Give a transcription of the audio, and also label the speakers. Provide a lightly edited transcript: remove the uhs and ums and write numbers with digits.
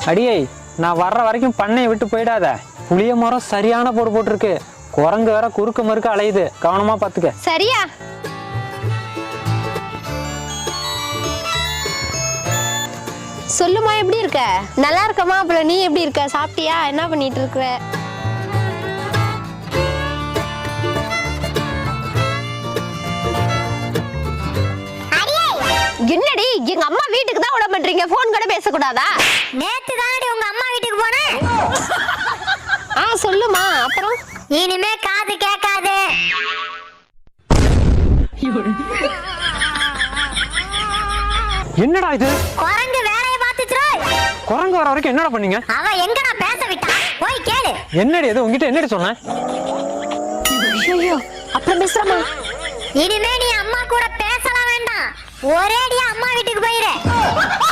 Speaker 1: அடியே, நான் வர்ற வரைக்கும் பண்ணையை விட்டு போயிடாத. புளிய மரம் சரியான போடு போட்டிருக்கு. குரங்கு வேற குறுக்கு மறுக்க அலையுது, கவனமா பாத்துக்க.
Speaker 2: சரியா? சொல்லுமா, எப்படி இருக்க? நல்லா இருக்கமா. அப்புறம் நீ எப்படி இருக்க? சாப்பிட்டியா? என்ன பண்ணிட்டு இருக்க? என்னடி எங்க அம்மா வீட்டுக்கு தான் விட பண்றீங்க? போன் கூட பேசக்கூடாதா?
Speaker 3: நேத்து தானடி உங்க அம்மா வீட்டுக்கு போனேன்.
Speaker 2: சொல்லுமா. அப்புறம்
Speaker 3: இனிமே காது கேட்காது.
Speaker 1: என்னடா இது?
Speaker 3: குரங்கு வேலைய பாத்துச்சு.
Speaker 1: குரங்கு வர வரைக்கும் என்னடா பண்ணீங்க?
Speaker 3: அவ எங்கடா பேச விட்டா? போய் கேளு.
Speaker 1: என்னடி இது? உங்ககிட்ட என்னடி சொன்னேன்?
Speaker 2: ஐயோ, அப்புறம் பேசுறமா.
Speaker 3: இனிமே நீ அம்மா கூட பேசலாம் வேண்டாம். ஒரேடியா அம்மா வீட்டுக்கு போயிரு.